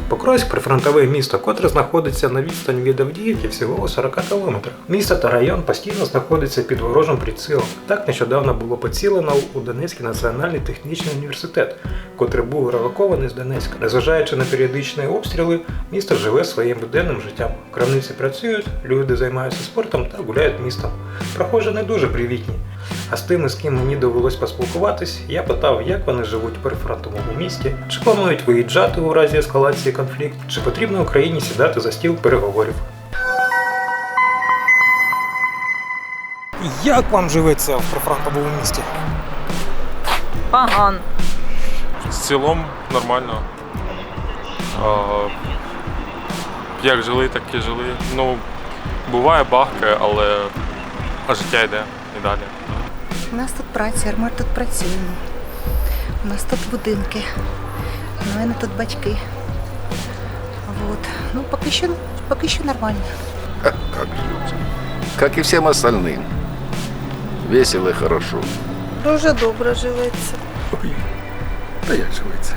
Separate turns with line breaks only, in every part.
Покровськ – прифронтове місто, котре знаходиться на відстані від Авдіївки всього у 40 кілометрах. Місто та район постійно знаходиться під ворожим прицілом. Так нещодавно було поцілено у Донецький національний технічний університет, котрий був релокований з Донецька. Незважаючи на періодичні обстріли, місто живе своїм буденним життям. Крамниці працюють, люди займаються спортом та гуляють містом. Прохожі не дуже привітні. А з тими, з ким мені довелось поспілкуватись, я питав, як вони живуть в прифронтовому місті, чи планують виїжджати у разі ескалації конфлікту, чи потрібно Україні сідати за стіл переговорів. Як вам живеться в прифронтовому місті?
Погано.
В цілому нормально. Як жили, так і жили. Ну, буває бахкає, але життя йде і далі.
У нас тут праця, ми тут працюємо. У нас тут будинки, у мене тут батьки. Вот. Ну, поки що нормально.
Как живется? Как и всем остальным. Весело и хорошо.
Дуже добре живеться.
Ой, да як живеться?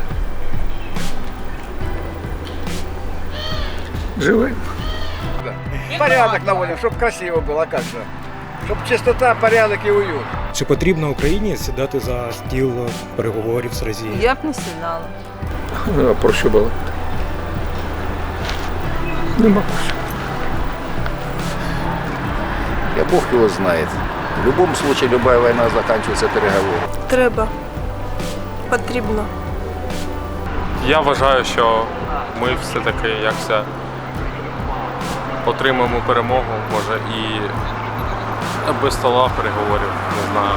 Живем.
Порядок наводим, чтобы красиво было, как же. Чтобы чистота, порядок и уют.
Чи потрібно Україні сідати за стіл переговорів з Росією?
Я б не сідала.
А про що було? Нема про що. Я Бог его знает. В любом случае, любая война заканчивается переговором.
Треба. Потрібно.
Я вважаю, що ми все-таки якся отримаємо перемогу, може і без стола переговорів, не знаю.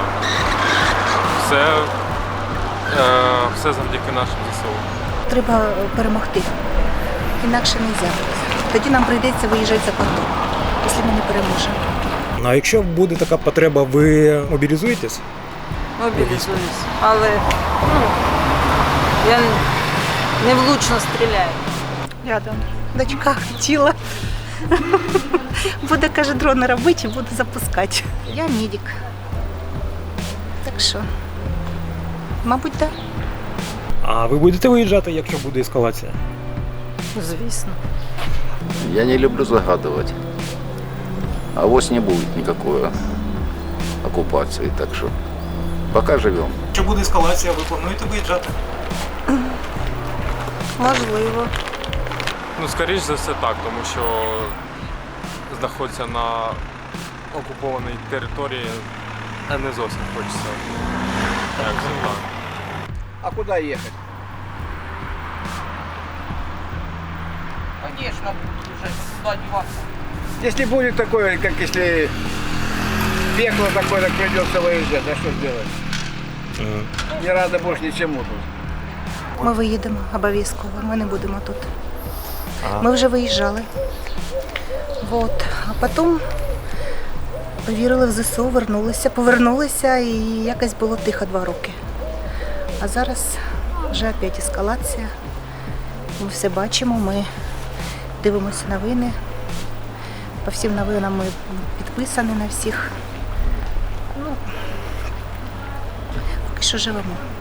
Все завдяки нашим ЗСУ.
Треба перемогти. Інакше не можна. Тоді нам прийдеться виїжджати за кордон, якщо ми не переможемо.
Ну, а якщо буде така потреба, ви мобілізуєтесь?
Мобілізуюсь. Але я не влучно стріляю.
Рядом. Дочка хотіла. Буде, каже, дрон робити і буде запускати. Я медик. Так що, мабуть, так.
А ви будете виїжджати, якщо буде ескалація?
Звісно.
Я не люблю загадывать. Авось не будет никакой оккупации, так что пока живем.
Якщо буде ескалація, ви плануєте виїжджати?
Можливо.
Ну, скоріш за все так, тому що знаходиться на окупованій території, а не зовсім хочеться. Як це так.
А куда ехать?
Конечно, буду вже сюди діватися.
Если будет такое, как если пекло такое, так придется выезжать, а что сделать? Не рада больше ничему тут.
Ми виїдемо обов'язково, ми не будемо тут. Ми вже виїжджали. Вот. А потім повірили в ЗСУ, повернулися і якось було тихо 2 роки. А зараз вже опять ескалація. Ми все бачимо, ми дивимося новини. По всім новинам ми підписані на всіх. Ну, поки що живемо.